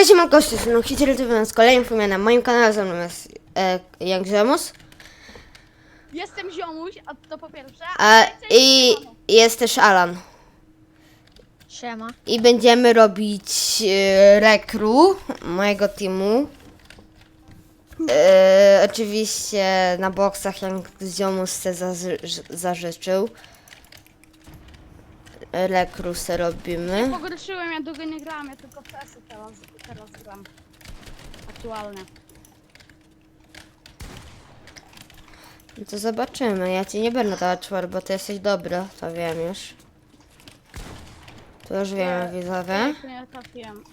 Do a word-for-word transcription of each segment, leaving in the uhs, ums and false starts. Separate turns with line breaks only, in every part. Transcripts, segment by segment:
Cześć, mam gości, no Hitler T V z kolejnym filmem na moim kanale, ze mną jest e, Young Ziomus.
Jestem Ziomuś, a to po pierwsze.
E,
Cześć,
I
siemano.
jest też Alan.
Siema.
I będziemy robić e, rekru mojego teamu. E, oczywiście na boksach, jak Ziomus se zazy- zażyczył. Rekru se robimy.
Pogorszyłem, ja długo nie grałem, ja tylko w C S teraz, teraz gram. Aktualnie.
No to zobaczymy. Ja ci nie będę dała czwór, bo ty jesteś dobra, to wiem już. To już wiemy, widzowie.
Ja nie trafiłem.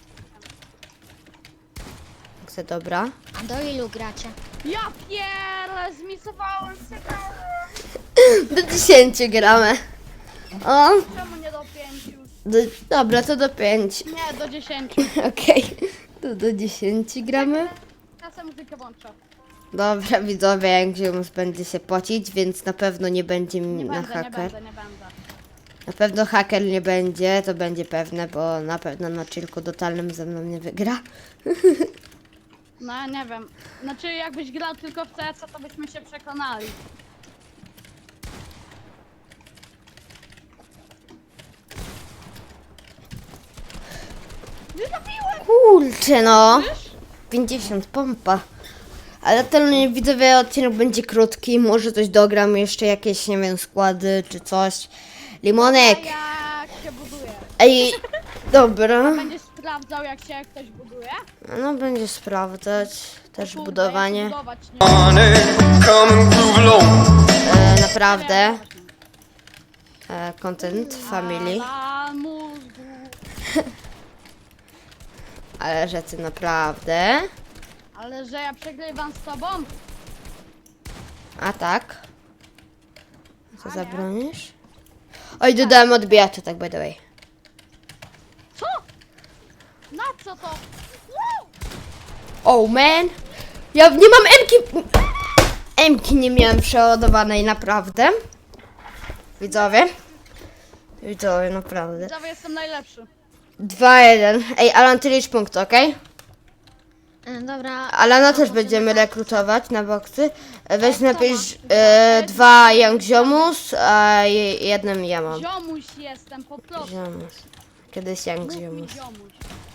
Chcę dobra.
A do ilu gracie?
Ja pierę, zmisowałem się.
Do dziesięciu gramy. O,
Czemu nie do pięciu?
do, dobra, to do pięć.
Nie, do dziesięciu.
Okej, to do dziesięciu gramy.
Ja sobie muzykę włączę.
Dobra, widzowie, jak Ziomus będzie się płacić, więc na pewno nie będzie
Nie
na
będę, nie
haker.
będę, nie będę.
Na pewno haker nie będzie, to będzie pewne, bo na pewno na chillku totalnym ze mną nie wygra.
No nie wiem. Znaczy jakbyś grał tylko w C S, to byśmy się przekonali. Nie zabiłem!
Kurczę no,
Wiesz?
pięćdziesiąt pompa. Ale ten widzowie odcinek będzie krótki, może coś dogram, jeszcze jakieś, nie wiem, składy czy coś. Limonek!
A jak się buduje?
Ej, dobra.
Będziesz sprawdzał jak się ktoś buduje?
No będzie sprawdzać też
Kurde,
budowanie.
ja się budować nie
Money, come and groove low.
E, naprawdę. E, content family.
Ala mózgu.
Ale rzeczy naprawdę.
Ale że ja przegrywam z tobą?
A tak. Co
A nie.
zabronisz? Oj, dodałem odbijacze, tak by the way.
Co? Na co to? Wow!
Oh man. Ja nie mam emki. Emki nie miałem przeładowanej, naprawdę. Widzowie. Widzowie, naprawdę.
Widzowie, jestem najlepszy.
dwa jeden. Ej, Alan, ty licz punkt, okej?
E, dobra.
Alana też
A,
będziemy
możemy-
rekrutować na boksy. E, Weź
kto
napisz
ma?
e, dwa Young Ziomus, a je- jednym ja mam.
Ziomuś jestem, po prostu.
Ziomus. Kiedyś Young
Mów mi
Ziomus.
ziomuś.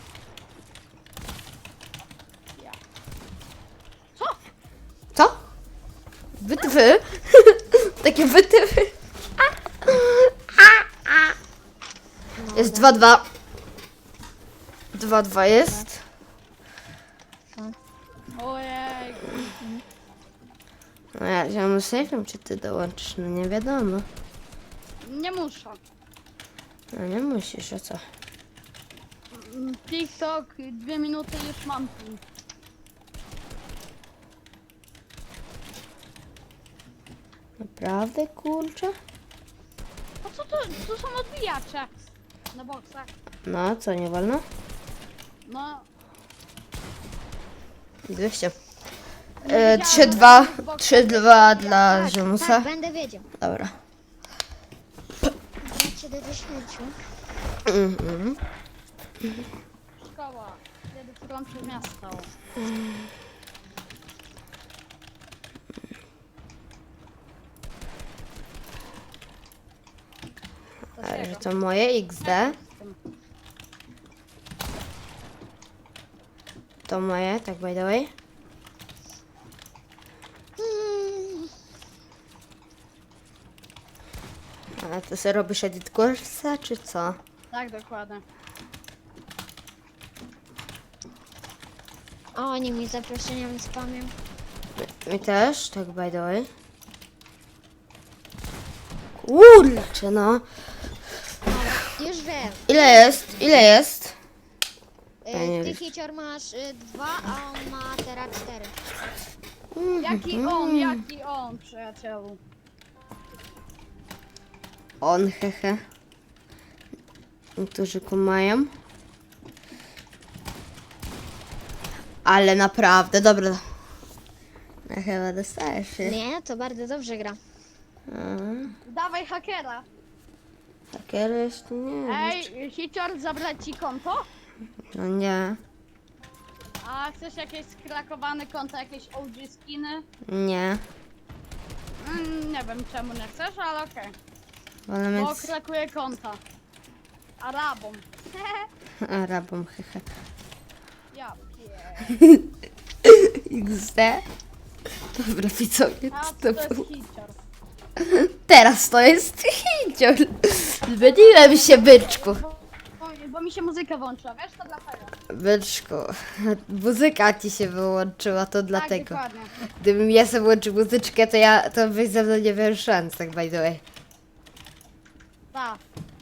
Ja. Co?
Co? Wytwy? Takie wytywy. Jest dwa dwa. dwa dwa jest.
Ojej.
No ja Ziomus nie wiem, czy ty dołączysz, no nie wiadomo.
Nie muszę.
No nie musisz, a co?
Mm, TikTok, dwie minuty już mam tu.
Naprawdę, kurczę?
A co to? Tu są odbijacze. Na boksach.
No, co, nie wolno?
No.
dwieście.
nie
E,
wiedziałam,
trzy
że
dwa.
to jest
trzy dwa dla
Tak,
Ziomusa.
tak, będę wiedział.
Dobra.
Gracie do dziesięciu.
Mhm.
Szkoła. Kiedy którą przez miasto.
Ale że to moje X D. To moje, tak by the way.
Mm,
A ty sobie robisz edit kursa, czy co?
Tak, dokładnie.
O, oni mi zaproszeniami spamią.
Mi też, tak by the way. Kurczę no.
Dobra, już wiem.
Ile jest? Ile jest? Ja nie
E, ty
wiem.
hicior masz y, dwa, a on ma teraz cztery.
Jaki on, jaki on, przyjacielu.
On, hehe. Niektórzy kumają. Ale naprawdę, dobra. Ja chyba dostajesz się.
Nie, to bardzo dobrze gra.
Mhm.
Dawaj hakera.
Haker jeszcze nie.
Ej, hicior zabrać ci konto?
No nie.
A chcesz jakieś skrakowane konta, jakieś O G skiny?
Nie.
Mm, nie wiem czemu nie chcesz, ale okej.
Wolę
Bo
mieć
krakuję konta. Arabom.
Arabom, hehe.
Ja pier...
X D. Dobra, widzowie,
A
co
to
to
jest
było?
hicior.
Teraz to jest hicior. Zmieniłem się, byczku.
Bo, bo, bo mi się muzyka włączyła, wiesz, to dlatego.
Byczku, muzyka ci się wyłączyła, to dlatego.
Tak, dokładnie.
Gdybym ja sobie włączył muzyczkę, to ja, to byś ze mną nie miał szans, tak by the way.
Tak.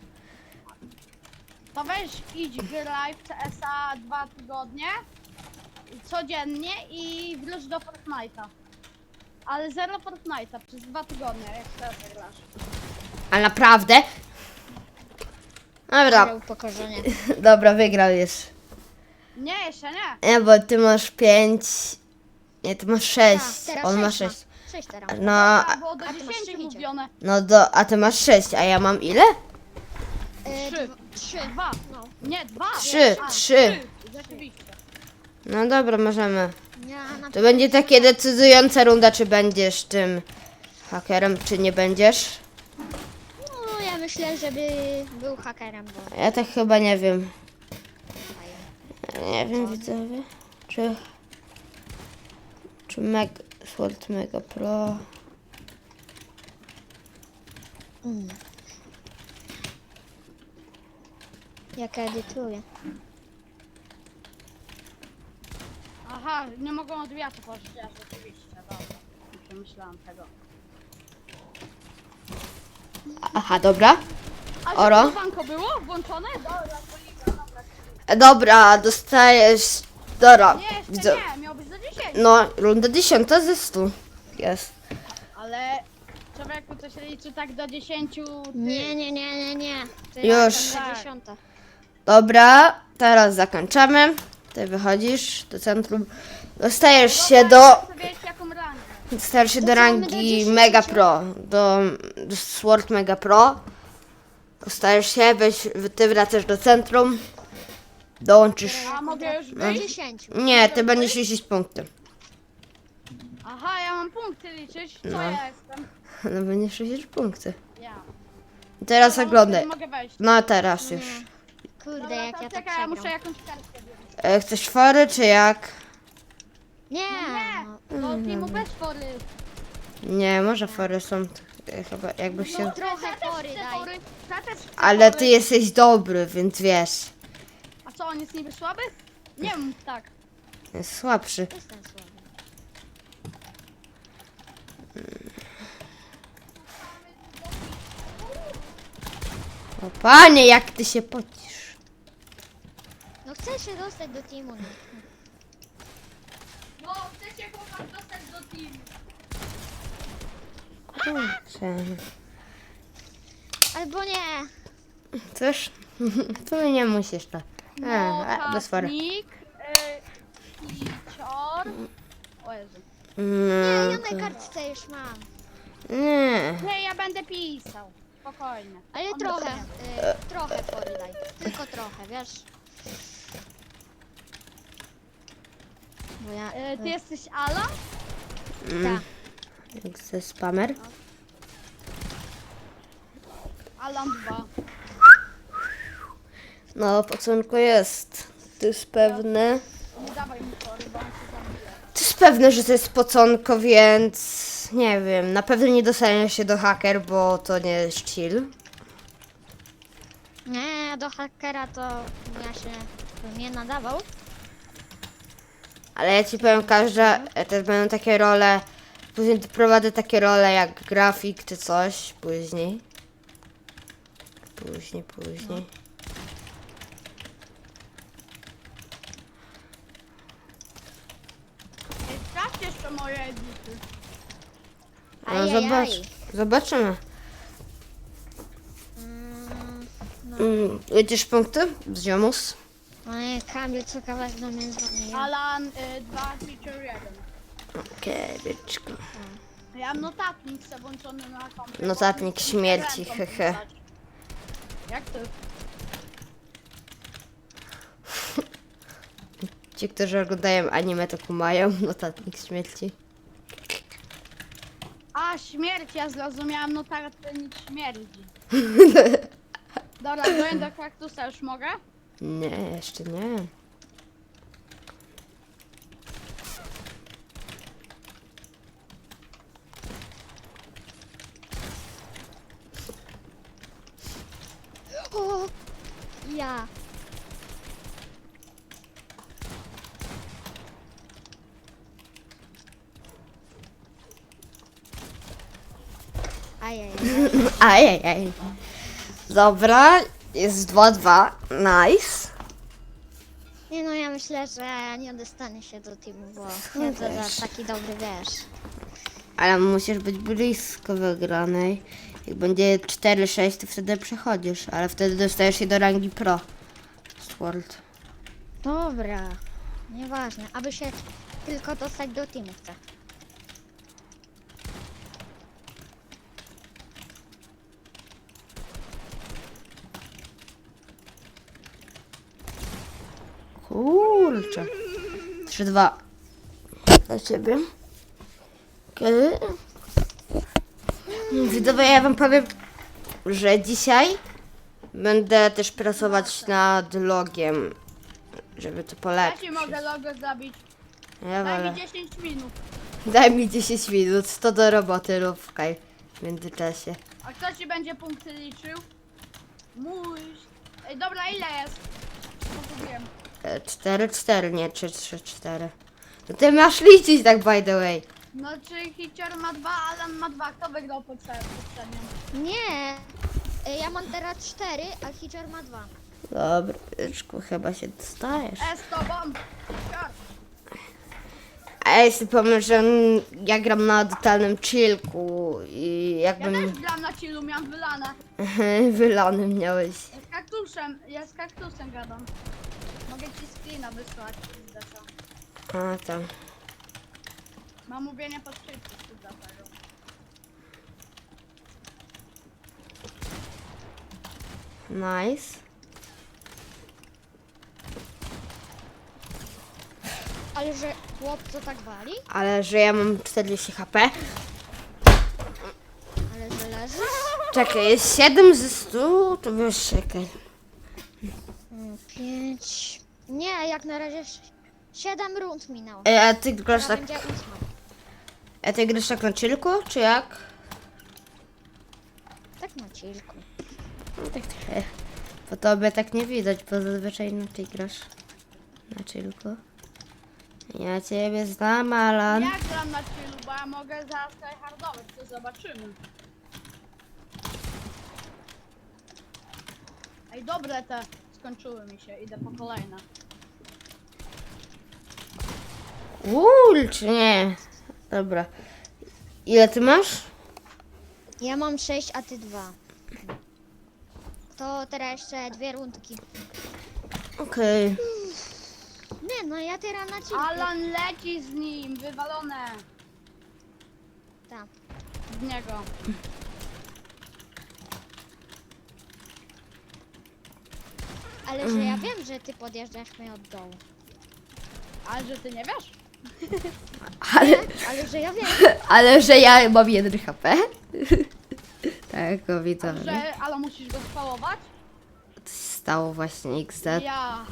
To weź idź graj w C S a dwa tygodnie codziennie i wróć do Fortnite'a. Ale zero Fortnite'a przez dwa tygodnie, jak teraz grasz.
A naprawdę? Dobra,
Ale upokorzenie.
dobra, wygrał już.
Nie, jeszcze nie.
Nie, bo ty masz pięć. Nie, ty masz sześć.
Tak, teraz
On ma
sześć ma.
sześć.
Sześć teraz.
No,
A,
a,
było do
a ty masz
dziesięciu
trzy
mówione.
no do, a ty masz sześć, a ja mam ile?
E,
Trzy.
dwa- Trzy.
Dwa.
No.
Nie, dwa.
Trzy,
A,
trzy.
Rzeczywiście.
No dobra, możemy.
Ja na
To będzie takie decydująca runda, czy będziesz tym hakerem, czy nie będziesz.
No, ja myślę, żeby był hakerem, bo...
Ja tak chyba nie wiem. Nie wiem, widzowie. Czy... Czy Meg... Sword Mega Pro...
Mm. Jak edytuję.
Aha, nie mogą od wiatru pożyczyć, ja rzeczywiście, dobra. Nie przemyślałam tego.
Aha, dobra.
A
Oro?
czy banko było włączone? Dobra, poliga, dobra.
E, Dobra, dostajesz... Dobra,
Nie, jeszcze
widzę.
nie, miał być do dziesięciu.
No, runda dziesiąta ze stu. Jest.
Ale człowieku to się liczy tak do dziesięciu. Ty.
Nie, nie, nie, nie, nie. To
Już.
jest ta dziesiąta.
Dobra, teraz zakończamy. Ty wychodzisz do centrum. Dostajesz się do...
Chcę wiedzieć jaką rangę.
Dostajesz się do
co, my do
rangi
dziesięciu?
Mega Pro. Do, do Sword Mega Pro. Dostajesz się, weź, ty wracasz do centrum. Dołączysz...
A mogę już
Do
wyjść?
dziesięciu.
Nie, ty będziesz liczyć punkty.
Aha, ja mam punkty liczyć. Co
No.
ja jestem?
No będziesz liczyć punkty.
Ja.
Teraz
Dobra,
oglądaj.
Mogę wejść.
No teraz już.
Kurde,
Dobra,
jak
to
ja tak
czekaj, ja muszę
przegram.
jakąś kartkę wziąć.
E, chcesz fory czy jak?
Nie,
Nie,
no,
do teamu bez fory.
Nie, może fory są e, chyba jakby się...
trochę
Ja też
fory
chcę
daj.
fory. Ja też chcę
Ale
fory.
ty jesteś dobry, więc wiesz.
A co, on jest niby słaby? Nie wiem, tak.
Jest słabszy.
Jestem słaby.
O panie, jak ty się pocisz.
No chcę się dostać do teamu. No.
No, chcecie chłopak dostać do teamu.
Kurczę.
Albo nie.
Cóż, tu nie musisz to.
No,
A, a, bez fory.
Notnik, y, Kicior. O Jezu.
Nie,
No,
ja na kartce już mam.
nie.
Nie, ja będę pisał. Spokojnie.
Ale
On
trochę,
będzie.
y, trochę fory daj. Tylko trochę, wiesz? Bo ja...
Y, ty jesteś Alan?
Mm,
Tak.
jak ze spamer.
Alan dwa.
No, poconku jest. To jest pewne.
Nie dawaj mi fory, bo on się zabije.
To jest pewne, że to jest poconko, więc nie wiem. Na pewno nie dostaniesz się do haker, bo to nie jest chill.
Nie, do hakera to ja się bym nie nadawał.
Ale ja ci powiem, każda, e, też będą takie role, później prowadzę takie role jak grafik czy coś, później. Później, później.
Ej, sprawdź jeszcze moje edity.
No
Ajajaj.
zobacz, zobaczymy.
Mm,
Mm, Liczysz punkty z ziomus?
no nie, Kamil co kawałek do mnie dzwoni.
Alan y, dwa, feature jeden.
Okej, byczku.
Ja mam notatnik sobie włączony na komputerze.
Notatnik śmierci,
Ręką
hehe.
pisać. Jak ty?
Ci, którzy oglądają anime, to kumają notatnik śmierci.
A, śmierć, ja zrozumiałam, no tak, to nic śmierdzi. Dobra, goń do kaktusa, już mogę?
Nie, jeszcze nie.
O, ja. Ajajaj.
Ajajaj. Dobra, jest dwa dwa. Nice.
Nie no, ja myślę, że nie dostanie się do teamu, bo nie to
wiesz.
za taki dobry, wiesz.
Ale musisz być blisko wygranej. Jak będzie cztery sześć, to wtedy przechodzisz, ale wtedy dostajesz się do rangi pro. Sword.
Dobra, nieważne, aby się tylko dostać do teamu chcę.
Kurczę. trzy dwa. Dla ciebie. Kiedy? Widzowie, ja wam powiem, że dzisiaj będę też pracować nad logiem, żeby to
Ja
polepszyć.
ci mogę logo zabić.
Ja
Daj
wolę.
mi dziesięć minut.
Daj mi dziesięć minut, to do roboty rób w kaj w międzyczasie.
A kto ci będzie punkty liczył? Mój. Ej, dobra, ile jest? Pogubiłem.
cztery cztery, nie trzy trzy cztery. No ty masz liczyć tak by the way.
No czy Hicior ma dwa, Alan ma dwa. Kto wygrał poprzednio?
Nie, y, ja mam teraz cztery, a Hitcher ma dwa.
Dobra, byczku, chyba się dostajesz.
E, z tobą. Hicior.
A ja sobie pomyśl, że mm, ja gram na totalnym chillku i
Ja też
jakbym
gram na chillu, miałam wylane.
wylany miałeś.
Ja z kaktusem, ja z kaktusem gadam. Mogę ci screena wysłać. Zresztą.
A tam.
Mam mówienie pod szybko, dlatego.
Nice.
Ale że chłop co tak wali?
Ale że ja mam czterdzieści HP.
Ale że leży?
Czekaj, jest siedem ze stu, to wiesz, czekaj.
Mm, Pięć. Nie, jak na razie ś- siedem rund minęło.
E, a ty grasz
Teraz
tak,
będzie ósma.
a ty grasz tak na chillku, czy jak?
Tak na chillku.
No tak trochę. Po tobie tak nie widać, bo zazwyczaj na ty grasz na chillku. Ja ciebie znam, Alan.
Ja gram na chillu, bo ja mogę zaraz tryhardować, to zobaczymy. Ej, dobre te skończyły mi się, idę po kolejne.
Uuu, czy nie? Dobra. Ile ty masz?
Ja mam sześć, a ty dwa. To teraz jeszcze dwie rundki.
Okej.
Nie, no ja teraz na chillku.
Alan leci z nim, wywalone
Tak.
z niego.
Ale że ja wiem, że ty podjeżdżasz mnie od dołu.
Ale że ty nie wiesz?
Ale,
Ale że ja wiem.
ale że ja mam jeden HP. Tak, o widzowie.
Że, ale musisz go spałować?
To się stało właśnie X D.
Ja.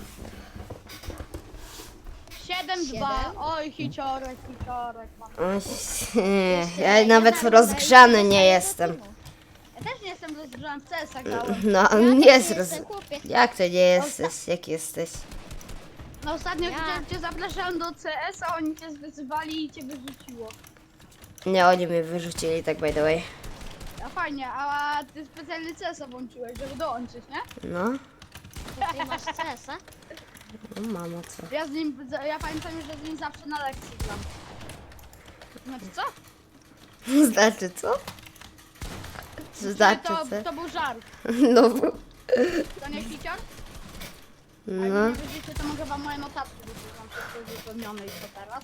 siedem dwa.
Siedem?
Oj, hiciorek, hiciorek. mam.
Oj, nie, Ja nawet rozgrzany nie jestem.
Ja też nie jestem rozgrzany, w C S a grałem.
No,
Ja
nie
też
jest
nie
roz...
jestem, chłopie.
Jak to nie jesteś? Jak jesteś?
No ostatnio
Ja.
cię, cię zapraszałem do C S a, oni cię wyzywali i cię wyrzuciło.
Nie, oni mnie wyrzucili, tak by the way.
A fajnie, a ty specjalnie C S a włączyłeś, żeby dołączyć, nie?
No,
To ty masz C S a?
no mamo, co?
Ja z nim, ja pamiętam, że z nim zawsze na lekcji gram. Znaczy co?
Znaczy co? Co znaczy
to,
co?
to był żart.
No,
To nie hicior? A
no.
jak nie widzicie, to mogę wam moje notatki, bo tu mam wszystko wypełnione już to teraz.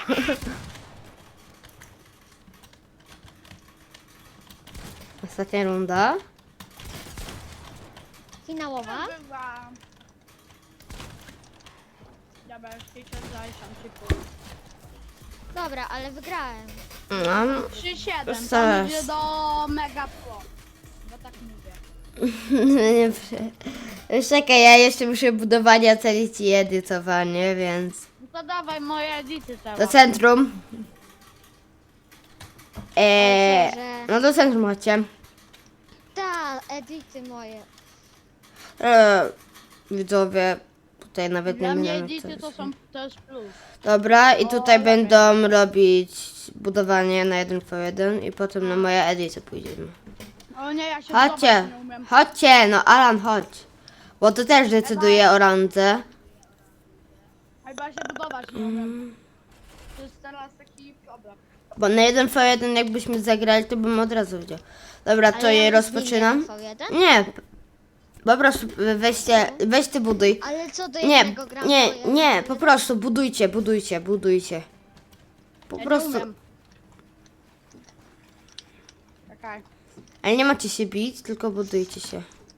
Ostatnia runda.
Finałowa.
Bywa. Dobra, już Hicior zajrzam ci pół.
Dobra, ale wygrałem.
No,
trzy siedem,
Zaraz.
tam idzie do Mega Pro. Bo tak mówię.
nie wiem. Już czekaj, ja jeszcze muszę budowanie ocenić i edytowanie, więc...
No to dawaj moje edity teraz.
Do centrum. Eee,
Że-
no do centrum chodźcie.
Ta, edyty moje.
Eee, widzowie, tutaj nawet
Dla
nie
mnie
wiem co
edity to
jest.
są też plus.
Dobra, i tutaj
O,
będą robić budowanie na jeden po jeden i potem na moje edyty pójdziemy.
O nie, ja się
Chodźcie,
budować nie umiem.
chodźcie, no Alan, chodź. Bo to też decyduje o randze.
Chyba się budować nie umiem. To jest teraz taki problem.
Bo na jeden po jeden jakbyśmy zagrali, to bym od razu widział. Dobra, to
Ale
je
ja
rozpoczynam.
nie wiem, V jeden?
Nie, po prostu weźcie, weź ty buduj.
Ale co do
Nie,
jednego gram
nie,
V jeden?
nie, po prostu budujcie, budujcie, budujcie. Po
Ja
prostu.
nie umiem. Czekaj.
Ale nie macie się bić, tylko budujcie się.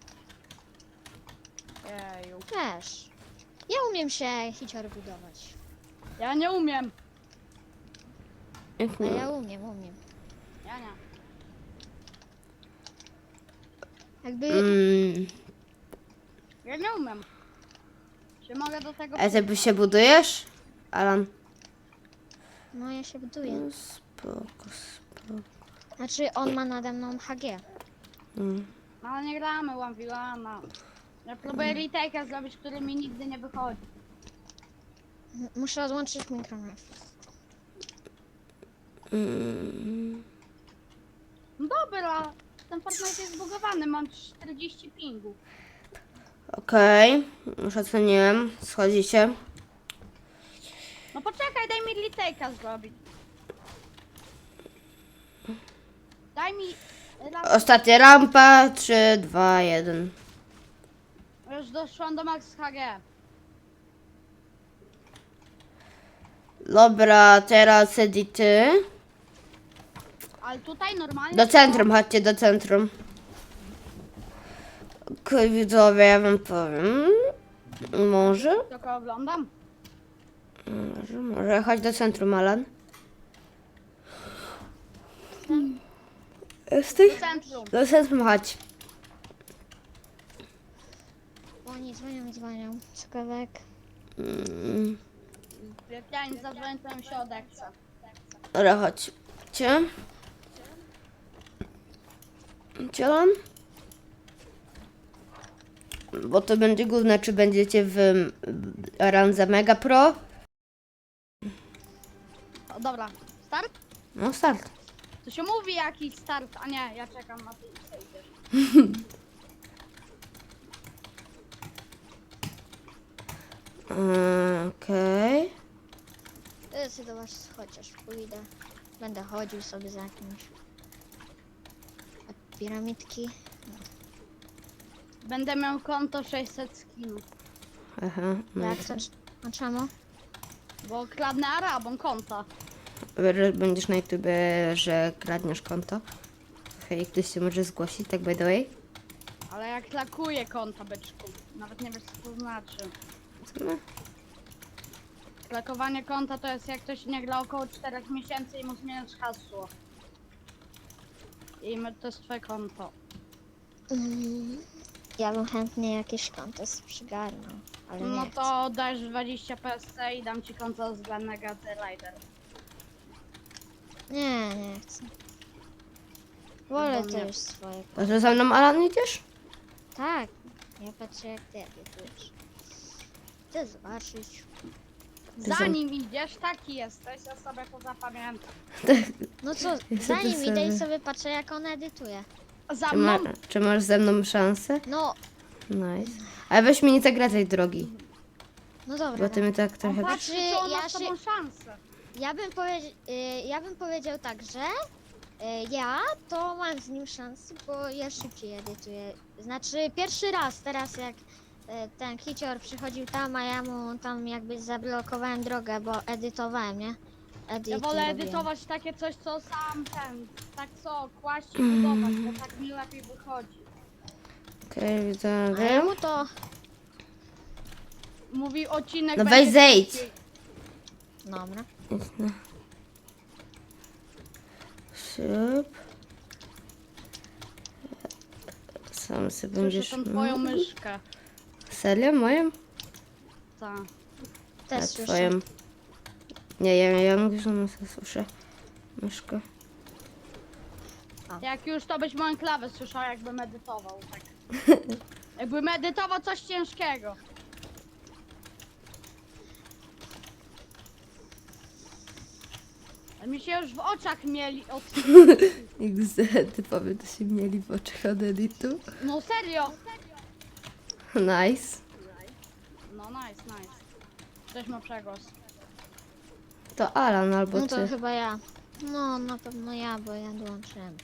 Jeju.
Też. Ja umiem się hicior budować.
Ja nie umiem.
Jak
A
nie?
ja umiem, umiem.
Ja nie.
Jakby...
Mm,
Ja nie umiem. Czy mogę do tego...
a ty się budujesz? Alan?
No ja się buduję.
No, spoko, spoko.
Znaczy on ma nade mną H G.
Mm.
No, ale nie gramy One v One. Ja próbuję retake'a zrobić, który mi nigdy nie wychodzi.
M- Muszę odłączyć mikrofon.
Mm.
No dobra, ten Fortnite jest zbugowany, mam czterdzieści pingu.
Okej, już oceniłem. Schodzicie.
No poczekaj, daj mi retake'a zrobić. Daj mi... raz-
Ostatnia rampa. trzy, dwa, jeden.
Już doszłam do max H G.
Dobra, teraz edity.
Ale tutaj normalnie...
Do centrum, chodźcie do centrum. Okej, widzowie, ja wam powiem. Może?
Tylko oglądam.
Może, może. Chodź do centrum, Alan. Jesteś?
Do centrum.
Do centrum chodź.
Oni dzwonią, dzwonią. Cukawek.
Mm,
Jak ja nie zadzwonię, to mi się odechce.
Dobra, chodźcie. Chodźcie, Alan. Bo to będzie główne, czy będziecie w randze Mega Pro.
O, dobra, start?
No start.
To się mówi jakiś start, a nie, ja czekam na ty idziesz.
Mm, Okej.
Ty sobie do was chociaż pójdę. Będę chodził sobie za kimś. A piramidki?
Będę miał konto sześćset skinów,
Aha. No
Jak
i
to? A czemu?
bo kradnę Arabom konta.
Że będziesz na YouTube, że kradniesz konto. Hej, ktoś się może zgłosić, tak by the way?
Ale jak lakuję konta, byczku. Nawet nie wiesz co to znaczy.
Co no?
Lakowanie konta to jest jak ktoś nie gra około czterech miesięcy i mu zmieniasz hasło. I my- to jest twoje konto.
Mm, ja bym chętnie jakieś konto przygarnął, ale nie
No
chcę.
to dajesz dwadzieścia P S C i dam ci konto z Negaty Rider.
Nie, nie chcę. Wolę
do
to
mnie.
już swoje.
A to za mną, Alan, idziesz?
Tak, ja patrzę jak ty edytujesz. Chcę zobaczyć.
Zanim idziesz, taki jesteś, ja sobie to zapamiętam.
No co,
Ja
zanim
sobie-
idę i sobie patrzę jak on edytuje.
Za
Czy,
mną?
ma, czy masz ze mną szansę?
No,
Nice. Ale weź mi nie zagradzaj drogi,
no dobra.
bo ty mi tak trochę...
On patrzy,
Znaczy,
czy on
ja
ma z
się-
tobą szansę.
Ja bym, powiedzi- y, ja bym powiedział tak, że y, ja to mam z nim szansę, bo ja szybciej edytuję. Znaczy pierwszy raz teraz jak y, ten hicior przychodził tam, a ja mu tam jakby zablokowałem drogę, bo edytowałem, nie? Edyty
Ja wolę
robiłem.
edytować takie coś, co sam ten, tak co, kłaść i budować, bo tak mi lepiej wychodzi.
Okej,
A
widzowie.
jemu to...
mówi odcinek
No
będzie
weź zejdź.
krótki.
Dobra.
Szyb. Sam sobie
Słyszę
będziesz...
tą twoją myszkę.
Serio? Moją?
Tak.
Też
A
słyszę.
twoją? Nie, ja, ja mówię, że no, słyszę myszkę.
Jak już to byś moją klawę słyszał, jakby medytował. Tak. Jakby medytował coś ciężkiego. A mi się już w oczach mieli od...
X, typowie to się mieli w oczach od editu.
No serio!
Nice.
No nice, nice. Ktoś ma przegłos.
To Alan albo
No to
ty.
chyba ja. No, na pewno ja, bo ja dołączyłem.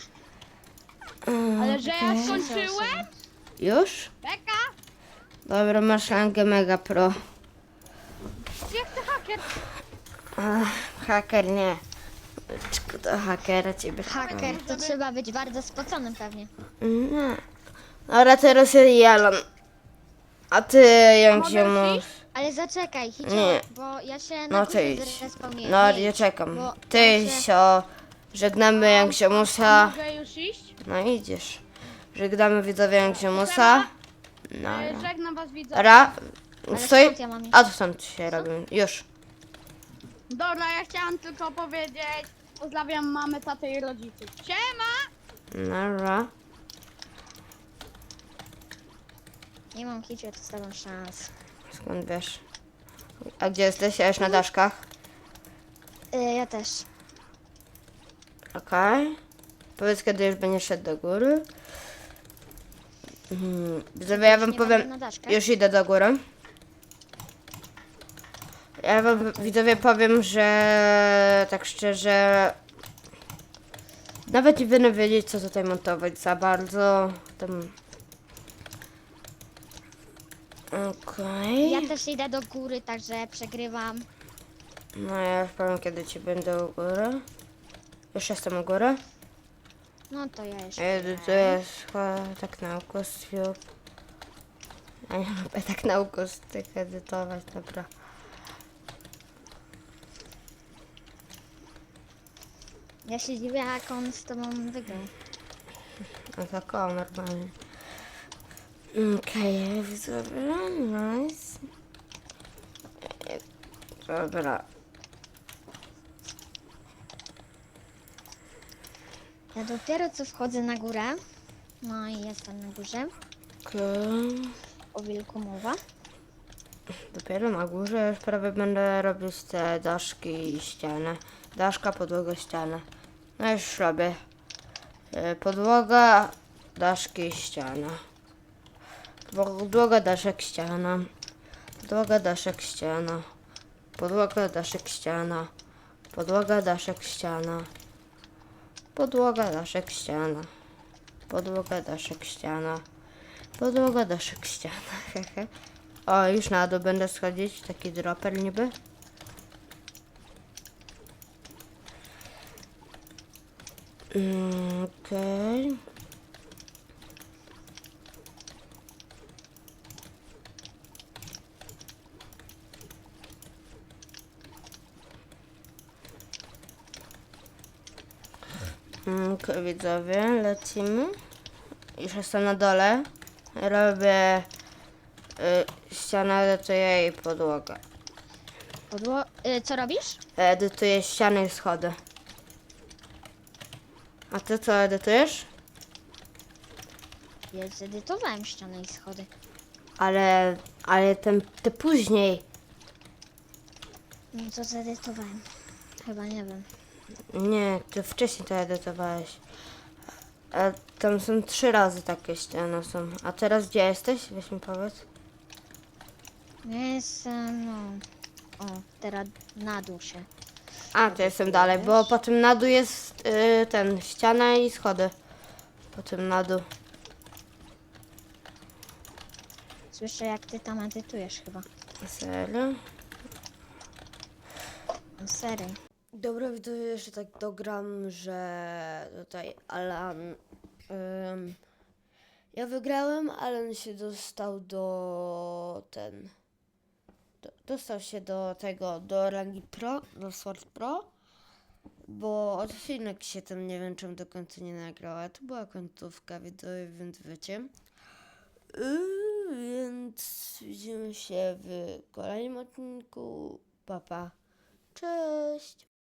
Ale że ja
okej.
skończyłem?
Już?
Beka!
Dobra, masz rangę Mega Pro.
Jak ty haker?
Ach, haker nie. Czku to hakera ciebie.
Haker to trzeba być bardzo spoconym pewnie.
Nie. Dobra, teraz ja i Alan. A ty, jak
mogę
się
już
masz?
iść?
Ale zaczekaj, Hicio,
Nie.
bo ja się na
No
górze
ty idź.
zrespawnuję.
No,
Nie
ja
idź,
czekam.
bo
Ty,
tam się-
sio. Żegnamy jak się musa.
Mogę już iść?
No idziesz. Żegnamy widzowie jak się musa. No.
E, Żegnam was widzowie.
Ra.
Ale
Stoi.
skąd ja mam iść?
A to stąd się robi. Już.
Dobra, ja chciałam tylko powiedzieć, pozdrawiam mamę, tatę i rodziców. Siema!
Nara.
Nie mam Hicio z tobą szans.
Skąd wiesz? A gdzie jesteś? Ja już na daszkach.
Y, ja też.
Okej. Powiedz, kiedy już będziesz szedł do góry. Mhm. Widzowie, ja wam
Nie
powiem.
mogę na daszkę?
Już idę do góry. Ja wam widzowie powiem, że tak szczerze. Nawet nie będę wiedzieć, co tutaj montować za bardzo. Tam. Okej.
Ja też idę do góry, także przegrywam.
No ja już powiem, kiedy ci będę u góry. Już jestem u góry.
No to ja jeszcze.
Ja edytuję tak na ukostwiu. Ja nie lubię tak na ukos tych edytować, dobra.
Ja się dziwię, jak on z tobą wygrał.
No tak o, normalnie. Okej, okay, widzowie, nice. Dobra.
Ja dopiero co wchodzę na górę. No i jestem na górze.
Okej.
O wilku mowa.
Dopiero na górze już prawie będę robić te daszki i ścianę. Daszka, podłoga, ściana. No już robię. E, Podłoga, daszki, ściana. Podłoga, daszek, ściana. Podłoga, daszek, ściana. Podłoga, daszek, ściana. Podłoga, daszek, ściana. Podłoga, daszek, ściana. Podłoga, daszek, ściana. Podłoga, daszek, ściana. Hehe. O, już na dół będę schodzić. Taki dropper niby. Mm, Okej. Mm, Okej, widzowie, lecimy. Już jestem na dole. Robię y, ścianę, edytuję i podłogę.
Podło... Y, co robisz?
Edytuję ściany i schody. A ty co edytujesz?
Ja zedytowałem ścianę i schody.
Ale, ale ten, ty później.
No to zedytowałem. Chyba nie wiem.
Nie, ty wcześniej to edytowałeś. A tam są trzy razy takie ściany są. A teraz gdzie jesteś? Weź mi powiedz.
Ja jestem, no... O, teraz na dół się.
A, to jestem dalej, bo po tym na dół jest y, ten, ściana i schody. Po tym na dół.
Słyszę, jak ty tam edytujesz chyba.
Serio?
No, serio.
Dobra, widzowie, jeszcze tak dogram, że tutaj Alan... Ym, ja wygrałem, Alan się dostał do ten... do, dostał się do tego, do rangi pro, do Sword Pro, bo odcinek się tam nie wiem czemu do końca nie nagrała. To była końcówka wideo, więc wiecie. Yy, więc widzimy się w kolejnym odcinku. Pa, pa. Cześć!